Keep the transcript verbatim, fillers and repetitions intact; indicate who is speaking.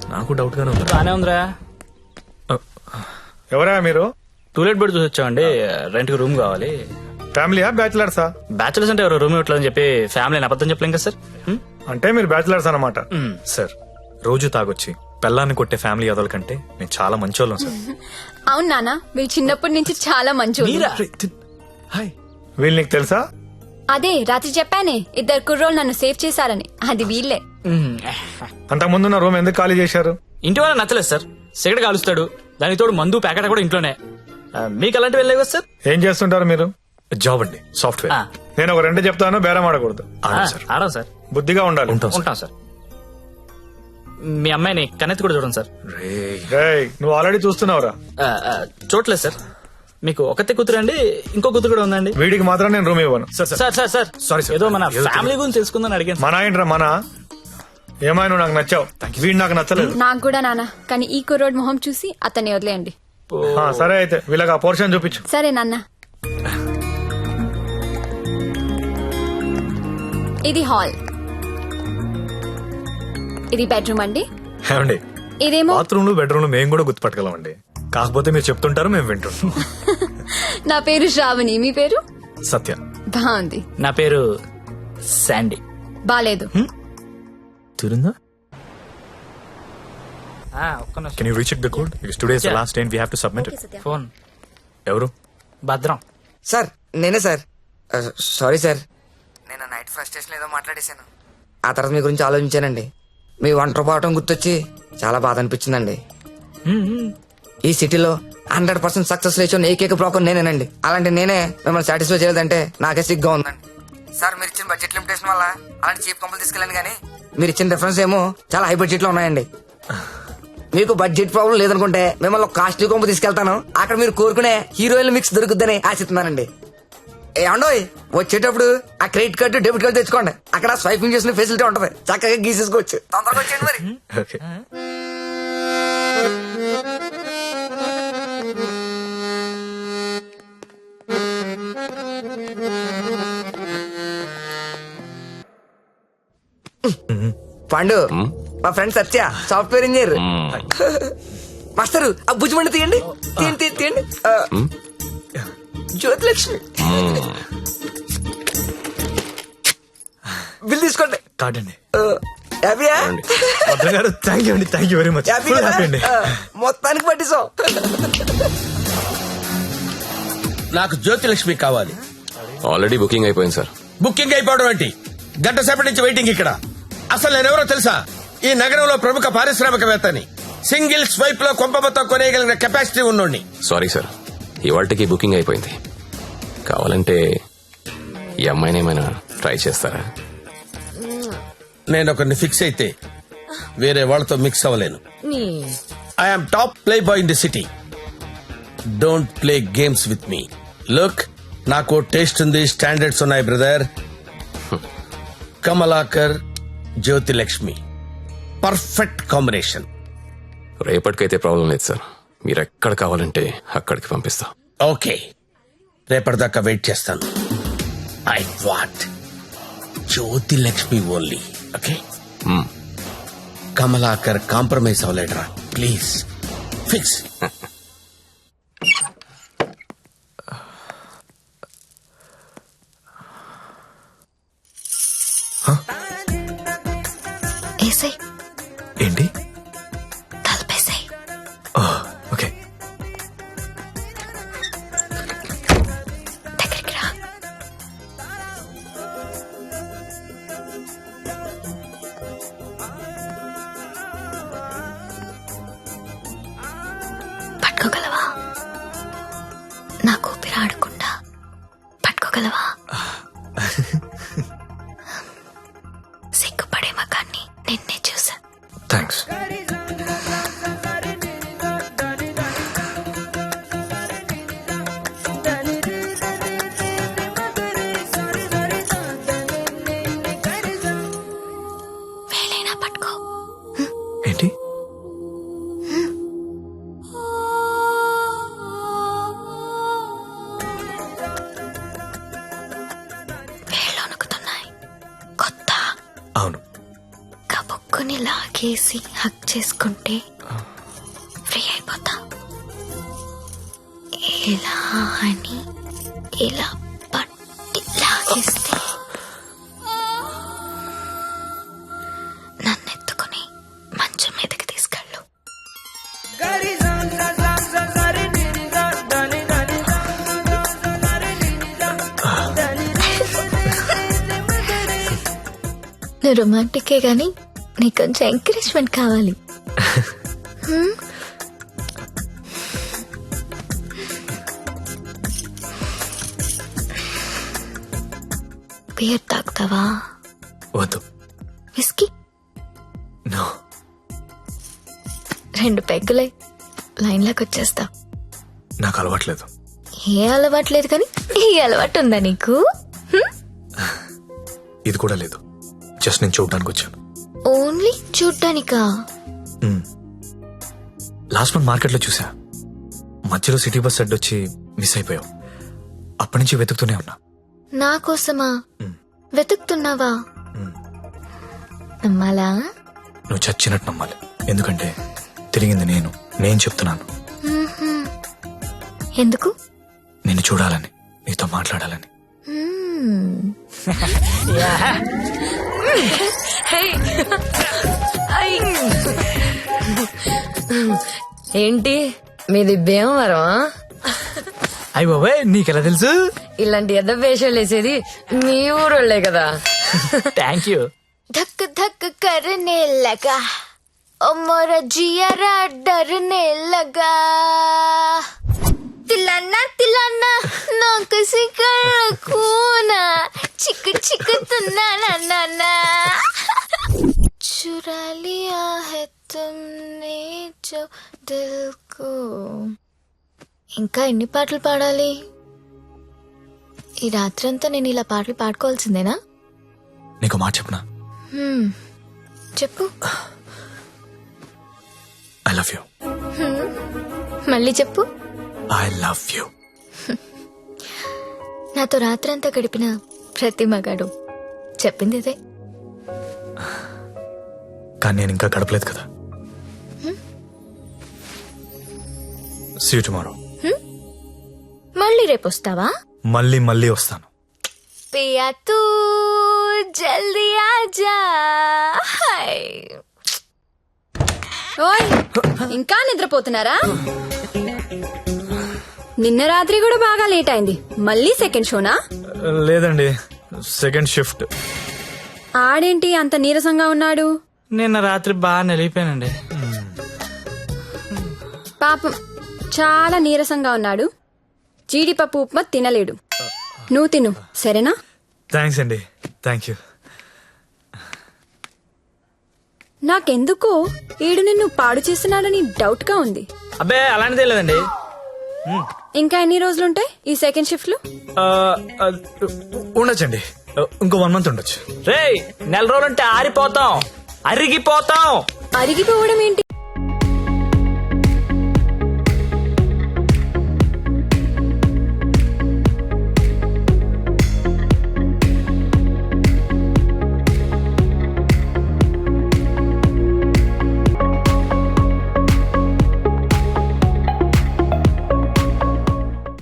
Speaker 1: నాకు డౌట్ గానే ఉంది.
Speaker 2: బానే ఉందిరా.
Speaker 3: ఎవరా మీరు?
Speaker 2: టూలెట్ బెడ్ చూసి వచ్చామండి. రెంట్ కి రూమ్ కావాలి.
Speaker 3: ఫ్యామిలీయా బ్యాచిలర్సా?
Speaker 2: బ్యాచులర్స్ అంటే ఎవరు రూమ్ ఇవ్వట్లేదని చెప్పి ఫ్యామిలీ అబద్ధం చెప్పలేం కదా సార్. హ్మ్?
Speaker 3: అంటే మీరు బ్యాచిలర్స్ అన్నమాట.
Speaker 2: మ్.
Speaker 1: సార్ రోజు తాగొచ్చి పెళ్ళాన్ని కొట్టే ఫ్యామిలీ అదల కంటే నేను చాలా మంచోళ్ళం సార్.
Speaker 4: అవును నాన్న, మీరు చిన్నప్పటి నుంచి చాలా మంచి.
Speaker 2: మీరా?
Speaker 1: హాయ్.
Speaker 3: వీళ్ళు నీకు తెలుసా?
Speaker 4: అదే రాత్రి చెప్పానే, ఇద్దరు కుర్రోళ్ళు నన్ను సేవ్ చేశారని. అది వీళ్ళే.
Speaker 2: మ్.
Speaker 3: అంతకు ముందున్న రూమ్ ఎందుకు ఖాళీ చేశారు?
Speaker 2: ఇంటి వాళ్ళ నచ్చలేదు సార్. సిగరెట్ కాలుస్తాడు, దానికి తోడు మందు ప్యాకెట్ కూడా ఇంట్లోనే. ఆ, మీకు అలాంటివి వెళ్ళలేవు కదా సార్.
Speaker 3: ఏం చేస్తుంటారు మీరు?
Speaker 1: జాబ్ అండి, సాఫ్ట్వేర్.
Speaker 2: ఆ,
Speaker 3: నేను ఒక రెండు చెప్తాను, బేరం ఆడకూడదు.
Speaker 2: ఆ,
Speaker 1: అవును సార్.
Speaker 2: ఆడం సార్.
Speaker 3: బుద్ధిగా ఉండాలి.
Speaker 1: ఉంటాం సార్.
Speaker 2: ఉంటాం సార్. మీ అమ్మాయిని కన్నెత్తి కూడా చూడండి సార్.
Speaker 1: రేయ్.
Speaker 3: రేయ్, నువ్వు ఆల్రెడీ చూస్తున్నావురా.
Speaker 2: ఆ, ఆ, చూడలేదు సార్. మీకు ఒకతే కూతురు అండి, ఇంకో కూతురు కూడా ఉందండి.
Speaker 3: వీడికి మాత్రం నేను రూమ్ ఇవ్వను.
Speaker 1: Sir sir
Speaker 2: sir sir sir
Speaker 1: Sorry, sir.
Speaker 2: ఏదో మన
Speaker 1: ఏదో
Speaker 2: ఫ్యామిలీ గురించి తెలుసుకుందని అడిగాను.
Speaker 3: మన ఏంట్రా మన? ఏమైనా నాకు నచ్చావు, వీడు నాకు నచ్చలేదు.
Speaker 4: నాకు కూడా నాన్న, కానీ ఈ కుర్రోడ్ మొహం చూసి అతన్ని వదిలేయండి.
Speaker 3: ఆ, సరే అయితే వీళ్ళకి ఆ పోర్షన్ చూపించు.
Speaker 4: సరే నాన్న. ఇది హాల్, ఇది బెడ్రూమ్ అండి.
Speaker 1: ఏమండి,
Speaker 4: ఇదేమో
Speaker 1: బాత్రూమ్ లో బెడ్రూమ్ లో మేము కూడా గుర్తుపట్టగలం అండి. కాకపోతే మీరు చెప్తుంటారు, మేము వింటుంటాం.
Speaker 4: నా పేరు శ్రావణి, మీ పేరు?
Speaker 1: సత్య.
Speaker 4: బాగుంది.
Speaker 2: నా పేరు శాండీ.
Speaker 4: బాలేదు.
Speaker 1: తిరుందా?
Speaker 2: ఆ, ఒక్క నిమిషం.
Speaker 1: Can you recheck the code? Because today is the
Speaker 2: Yeah.
Speaker 1: Last day and we have to submit it.
Speaker 2: Phone
Speaker 1: ఎవరు?
Speaker 2: భద్రం.
Speaker 5: సార్ నేనే సార్. సారీ సార్, నేను నైట్ ఫ్రస్ట్రేషన్ ఏదో మాట్లాడేశాను. ఆ తర్వాత మీ గురించి ఆలోచించానండి. మీ ఒంటరి పోవటం గుర్తొచ్చి చాలా బాధ అనిపించిందండి. ఈ సిటీలో హండ్రెడ్ పర్సెంట్ సక్సెస్ రేషన్ ఏకైక బ్రోకర్ నేనేనండి. అలాంటి నేనే మిమ్మల్ని సాటిస్ఫై చేయలేదంటే నాకే సిగ్గా ఉందండి. సార్ మీరు ఇచ్చిన బడ్జెట్ లిమిటేషన్ వల్ల అలాంటి చీప్ కంపెనీ తీసుకెళ్ళాను, కానీ మీరు ఇచ్చిన రిఫరెన్స్ ఏమో చాలా హై బడ్జెట్ లో ఉన్నాయండి. మీకు బడ్జెట్ ప్రాబ్లం లేదనుకుంటే మిమ్మల్ని ఒక కాస్ట్లీ కొంపు తీసుకెళ్తాను. అక్కడ మీరు కోరుకునే హీరోయిన్ మిక్స్ దొరుకుద్దని ఆశిస్తున్నానండి. ఏమండోయ్, వచ్చేటప్పుడు ఆ క్రెడిట్ కార్డు డెబిట్ కార్డు తెచ్చుకోండి. అక్కడ స్వైపింగ్ చేసిన ఫెసిలిటీ ఉంటది, చక్కగా గీసేసుకోవచ్చు. తొందరగా వచ్చేయండి మరి.
Speaker 1: ఓకే.
Speaker 5: పండు, మా friend Satya, software engineer. Master ఆ భుజమండి తీయండి, తీయండి తీయండి తీయండి. ఆ, జ్యోతిలక్ష్మి బిల్ తీసుకోండి.
Speaker 1: కార్డ్ అండి.
Speaker 5: ఆ, హ్యాపీయా?
Speaker 1: భద్రం గారు, థ్యాంక్ యూ అండి, thank you very much.
Speaker 5: Happy
Speaker 1: full
Speaker 5: కదా?
Speaker 1: హ్యాపీ అండి.
Speaker 5: ఆ, మొత్తానికి పట్టిస్తాం.
Speaker 6: నాకు జ్యోతిలక్ష్మి కావాలి.
Speaker 7: ఆల్రెడీ బుకింగ్ అయిపోయింది సార్.
Speaker 6: బుకింగ్ అయిపోవడం ఏంటి? గంట సేపటి నుంచి వెయిటింగ్ ఇక్కడ. అసలు నేనెవరో తెలుసా? ఈ నగరంలో ప్రముఖ పారిశ్రామికవేత్తని. సింగిల్ స్వైప్ లో కొంప మొత్తం కొనేయగలిగిన కెపాసిటీ ఉన్నోడిని.
Speaker 7: సారీ సార్, ఇవాళకి బుకింగ్ అయిపోయింది. కావాలంటే ఈ అమ్మాయిని ఏమైనా ట్రై చేస్తారా?
Speaker 6: నేను ఒకరిని ఫిక్స్ అయితే వేరే వాళ్ళతో మిక్స్ అవ్వలేను. I'm top playboy in the city. Don't play games with me. Look, నాకు టేస్ట్ ఉంది, స్టాండర్డ్స్ ఉన్నాయి brother. Kamalakar, Jyotilakshmi, perfect combination.
Speaker 7: రేపటికైతే ప్రాబ్లం లేదు సార్, మీరు ఎక్కడ కావాలంటే అక్కడికి పంపిస్తా.
Speaker 6: ఓకే, రేపటిదాకా వెయిట్ చేస్తాను. I want Jyotilakshmi only. Okay, Kamalakar compromise అవ్వలేడరా ప్లీజ్. ఫిక్స్.
Speaker 4: ఏసై
Speaker 1: ఏంటి?
Speaker 4: తలపేసాయి.
Speaker 1: ఓకే.
Speaker 4: దగ్గరికి రా. పట్టుకోగలవా? నాకు ఊపిరి ఆడకుండా పట్టుకోగలవా? సిగ్గుపడే మగాన్ని నిన్నే చూసా.
Speaker 1: థ్యాంక్స్.
Speaker 4: వేలైనా పట్టుకో.
Speaker 1: ఏంటి?
Speaker 4: వేళ్ళు వణుకుతున్నాయి. కొత్త
Speaker 1: అవును.
Speaker 4: కబుక్కుని లాగేసి చూసి హక్ చేసుకుంటే ఫ్రీ అయిపోతా. ఇలా అని ఇలా పట్టి లాగేస్తే నన్ను ఎత్తుకుని మంచం మీదకి తీసుకెళ్ళు. నువ్వు రొమాంటికే గాని నీకు కొంచెం ఎంకరేజ్మెంట్ కావాలి. హ్మ్? బియర్ తాగుతావా?
Speaker 1: వద్దు.
Speaker 4: విస్కీ?
Speaker 1: నో.
Speaker 4: రెండు పెగ్గులై లైన్లోకి వచ్చేస్తా.
Speaker 1: నాకు అలవాట్లేదు.
Speaker 4: ఏ అలవాటు లేదు కానీ ఈ అలవాటు ఉందా నీకు? హ్మ్?
Speaker 1: ఇది కూడా లేదు. జస్ట్ నేను చూడడానికి వచ్చాను.
Speaker 4: ఓన్లీ చూడ్డానికా?
Speaker 1: లాస్ట్ మంత్ మార్కెట్లో చూసా. మధ్యలో సిటీ బస్ అడ్డొచ్చి మిస్ అయిపోయావు. అప్పటి నుంచి వెతుకుతూనే ఉన్నా.
Speaker 4: నా కోసమా
Speaker 1: మ్.
Speaker 4: వెతుకుతున్నావా?
Speaker 1: మ్.
Speaker 4: నమ్మాలా?
Speaker 1: నువ్వు చచ్చినట్టు నమ్మాలి. ఎందుకంటే తిరిగింది నేను. నేను చెప్తున్నాను.
Speaker 4: మ్మ్హ్మ్. ఎందుకు?
Speaker 1: నిన్ను చూడాలని, నీతో మాట్లాడాలని.
Speaker 4: మ్మ్.
Speaker 8: ఏంటి మీది భీమవరం?
Speaker 2: అయ్యి బాబాయ్ నీకెలా తెలుసు?
Speaker 8: ఇలాంటి ఎద్ద వేషాలు వేసేది మీ ఊరోళ్లే కదా.
Speaker 2: Thank you.
Speaker 4: धक धक करने लगा ओ मोरा जियारा डरने लगा तिलाना तिलाना ना किसी कर खूना चिक चिक तुना ना ना ना चुरा लिया है तुमने जो दिल को. ఇంకా ఎన్ని పాటలు పాడాలి? ఈ రాత్రంతా నేను ఇలా పాటలు పాడుకోవాల్సిందేనా?
Speaker 1: నీకు మాట చెప్పనా?
Speaker 4: హ్మ్. చెప్పు.
Speaker 1: I love you.
Speaker 4: మళ్ళీ చెప్పు.
Speaker 1: I love you.
Speaker 4: నాతో రాత్రంతా గడిపిన ప్రతి మగాడు చెప్పింది ఇదే.
Speaker 1: కానీ నేను ఇంకా గడపలేదు కదా. See you tomorrow.
Speaker 4: మళ్ళీ రేపు వస్తావా?
Speaker 1: మళ్ళీ మళ్ళీ వస్తాను.
Speaker 4: పియా తూ జల్దీ ఆజా.
Speaker 9: ఓయ్ ఇంకా నిద్రపోతున్నారా? నిన్న రాత్రి కూడా బాగా లేట్ అయింది. మళ్ళీ సెకండ్ షోనా?
Speaker 1: లేదండి, సెకండ్ షిఫ్ట్.
Speaker 9: ఆడేంటి అంత నీరసంగా ఉన్నాడు?
Speaker 2: నిన్న రాత్రి బాగా నలిగిపోయానండి.
Speaker 9: పాపం చాలా నీరసంగా ఉన్నాడు. జీడిపప్పు ఉప్మా తినలేడు. నువ్వు తిను సరేనా?
Speaker 1: థ్యాంక్స్ అండి. Thank you.
Speaker 9: నాకెందుకో ఈడు నిన్ను పాడు చేస్తున్నాడని డౌట్ గా ఉంది.
Speaker 2: అబ్బే అలాంటిదే లేదండి.
Speaker 9: ఇంకా ఎన్ని రోజులుంటాయి ఈ సెకండ్ షిఫ్ట్ లో?
Speaker 1: ఆ, ఆ, ఉండొచ్చండి. ఇంకో వన్ మంత్ ఉండొచ్చు.
Speaker 2: రేయ్ నెల రోజులంటే ఆరిపోతాం, అరిగిపోతాం.
Speaker 9: అరిగిపోవడం ఏంటి?